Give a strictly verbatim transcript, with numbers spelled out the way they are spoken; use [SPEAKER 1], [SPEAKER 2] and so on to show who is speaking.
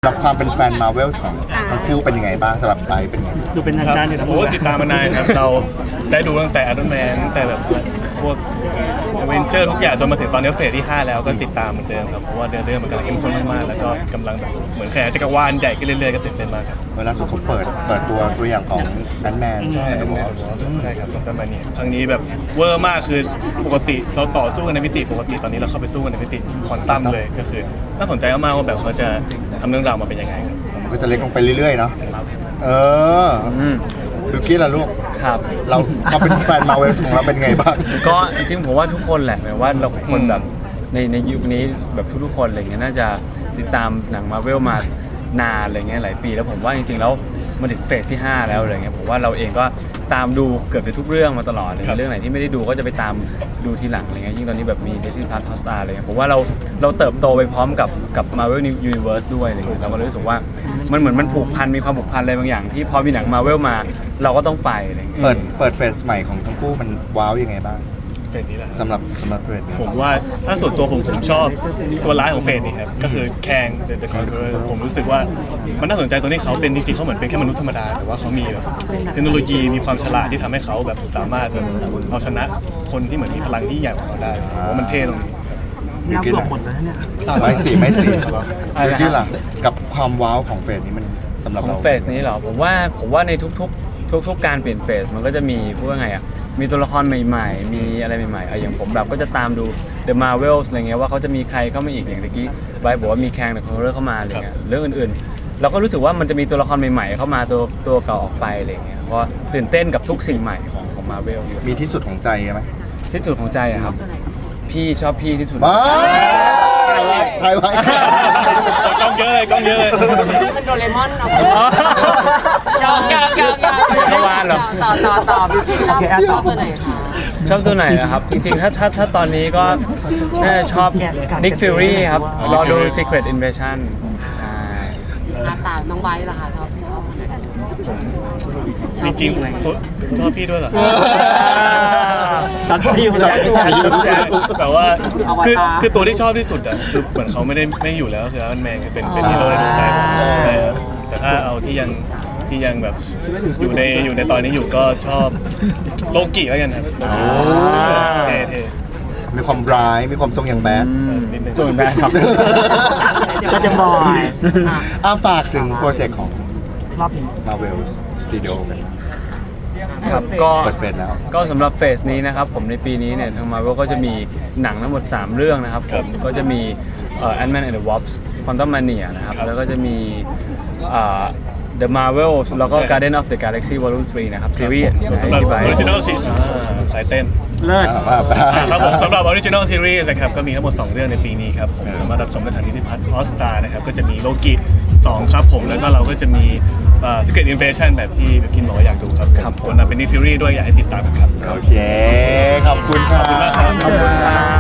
[SPEAKER 1] รับความเป็นแฟนมาเวลของทั้งคู่เป็นยังไงบ้างสำหรับไบร์ทเป็นยังไง
[SPEAKER 2] ดูเป็นทางการอยู่นะ
[SPEAKER 3] โอ้ติดตามมานานครับเราได้ดูตั้งแต่อ r o n แมนตั้งแต่แบบพวกอเวนเจอร์ทุกอย่างจนมาถึงตอนนี้เฟสที่ห้าแล้วก็ติดตามเหมือนเดิมครับเพราะว่าเรื่องมันกำลังเข้มข้นมากๆแล้วก็กำลังแบบเหมือนแขยายจักรวาลใหญ่ขึ้นเรื่อยๆก็ตื่นเต้นมากครับ
[SPEAKER 1] เวลาสุดเขาเปิดเปิดตัวตัวอย่างของแบทแมน
[SPEAKER 3] ใช่แอนด์แมนใช่ครับตั้งแต่มาเนี่ยครั้งนี้แบบเวอร์มากคือปกติเราต่อสู้กันในมิติปกติตอนนี้เราเข้าไปสู้กันในมิติควอนตัมเลยก็คือน่าสนใจมากๆว่าแบบเขาจะทำเรื่องราวมาเป็นยังไงครับ
[SPEAKER 1] มันก็จะเล็กลงไปเรื่อยๆเนาะเออดูกี้ล่ะลูก
[SPEAKER 4] ครับ
[SPEAKER 1] เราเราเป็นแฟนมาเวลของเราเป็นไงบ้าง
[SPEAKER 4] ก็จริงๆผมว่าทุกคนแหละหมายว่าเราคนแบบในในยุคนี้แบบทุกๆคนอะไรเงี้ยน่าจะติดตามหนังมาเวลมานานอะไรเงี้ยหลายปีแล้วผมว่าจริงๆแล้วมาถึงเฟสที่ห้าแล้วอะไรเงี้ยผมว่าเราเองก็ตามดูเกือบจะทุกเรื่องมาตลอดเลยเรื่องไหนที่ไม่ได้ดูก็จะไปตามดูทีหลังอะไรเงี้ยยิ่งตอนนี้แบบมี Disney Plus Hotstar อะไรเงี้ยผมว่าเราเราเติบโตไปพร้อมกับกับ Marvel Universe ด้วยอะไรเงี้ยเราก็รู้สึกว่ามันเหมือนมันผูกพันมีความผูกพันอะไรบางอย่างที่พอมีหนัง Marvel มาเราก็ต้องไปอะไรเงี้ย
[SPEAKER 1] เปิดเปิดเฟสใหม่ของทั้งคู่มันว้าวยังไงบ้าง
[SPEAKER 3] เฟสนี้แหละ
[SPEAKER 1] สำหรับสำหรับเฟสนี้
[SPEAKER 3] ผมว่าถ้าส่วนตัวผมผมชอบตัวร้ายของเฟสนี่ครับก็คือแคง The Conqueror ผมรู้สึกว่ามันน่าสนใจตรงที่เขาเป็นจริงๆเขาเหมือนเป็นแค่มนุษย์ธรรมดาแต่ว่าเขามีแบบเทคโนโลยีมีความฉลาดที่ทำให้เขาแบบสามารถแบบเอาชนะคนที่เหมือนมีพลังที่ใหญ่กว่าเขาได้ผมว่ามันเท่ตรงนี้
[SPEAKER 2] นับหลบหมดแล้วเนี่ย
[SPEAKER 1] ไม่สิไม่สิดูกี้ล่ะกับความว้าวของเฟสนี้มันสำหรับ
[SPEAKER 4] ของ
[SPEAKER 1] เรา
[SPEAKER 4] เฟสนี้เหรอผมว่าผมว่าในทุกๆทุกๆการเปลี่ยนเฟสมันก็จะมีพูดว่าไงอ่ะมีตัวละครใหม่ๆมีอะไรใหม่ๆอย่างผมแบบก็จะตามดู The Marvels อะไรเงี้ยว่าเขาจะมีใครเข้ามาอีกอย่างเมื่อกี้ไบร์ทบอกว่ามีแคง The Conqueror เข้ามาอะไรเงี้ยเรื่องอื่นๆเราก็รู้สึกว่ามันจะมีตัวละครใหม่ๆเข้ามาตัวตัวเก่าออกไปอะไรเงี้ยเพราะตื่นเต้นกับทุกสิ่งใหม่ของของ Marvel อยู่
[SPEAKER 1] มีที่สุดของใจไหม
[SPEAKER 4] ที่สุดของใจอะครับพี่ชอบพี่ที่สุด
[SPEAKER 1] ถ่ายไว้ถ่ายไว้
[SPEAKER 3] กล้องเยอะเลยกล้องเยอะเลย
[SPEAKER 5] เป็นโดเรมอนเนาะยอกยอกยอกยอก
[SPEAKER 4] เมื่อวานเหรอ
[SPEAKER 5] ต่อต่อต่อพี่ชอบชอบตัวไหนคะ
[SPEAKER 4] ชอบตัวไหนนะครับ จริงๆ ถ้าถ้าถ้าตอนนี้ก็น่าจะชอบ Nick Fury ครับรอดู Secret Invasion ใช่
[SPEAKER 5] อาตาน้องไบร์ทล่ะคะชอบชอบ
[SPEAKER 3] จริงๆตัวชอบพี่ด้วยเหรอ
[SPEAKER 2] สัตว์พี่คนแรกที่จะอยู่
[SPEAKER 3] แต่ว่าคือคือตัวที่ชอบที่สุดอ่ะคือเหมือนเขาไม่ได้ไม่อยู่แล้วคืออันแมนเป็นเป็นฮีโร่ในดวงใจผมใช่ครับแต่ถ้าเอาที่ยังที่ยังแบบอยู่ในอยู่ในตอนนี้อยู่ก็ชอบโลกิแล้วกันครับเท่เท่
[SPEAKER 1] มีความร้ายมีความทรงอย่างแบด
[SPEAKER 4] ส่วนแบดครับ
[SPEAKER 2] ก็จะบอย
[SPEAKER 1] อาฝากถึงโปรเจกต์ของ
[SPEAKER 2] รอบนี้
[SPEAKER 1] Marvel Studio กัน
[SPEAKER 4] ครับก็
[SPEAKER 1] เปิดเฟสแล้ว
[SPEAKER 4] ก็สำหรับเฟสนี้นะครับผมในปีนี้เนี่ยทาง Marvel ก็จะมีหนังทั้งหมดสามเรื่องนะครับผมก็จะมีเอ่อ Ant-Man and the Wasp Quantumania นะครับแล้วก็จะมีเอ่อ The Marvels แล้วก็ Guardian of the Galaxy Volume สามนะครับซีรีส์
[SPEAKER 3] สำหรับ Original Series สายเต้น
[SPEAKER 2] เลิศ
[SPEAKER 3] ครับผมสำหรับ Original Series นะครับก็มีทั้งหมดสองเรื่องในปีนี้ครับผมสามารถรับชมได้ทาง Disney Plus Hotstar นะครับก็จะมีโลกิสองครับผมแล้วก็เราก็จะมี Secret Invasion แบบที่บิวกินบอกว่าอยากดูครับผมตัวนั้นเป็น Nick Fury ด้วยอยากให้ติดตามกันครับ
[SPEAKER 1] โอเคขอบคุณครับ
[SPEAKER 3] ขอบคุณมากครับ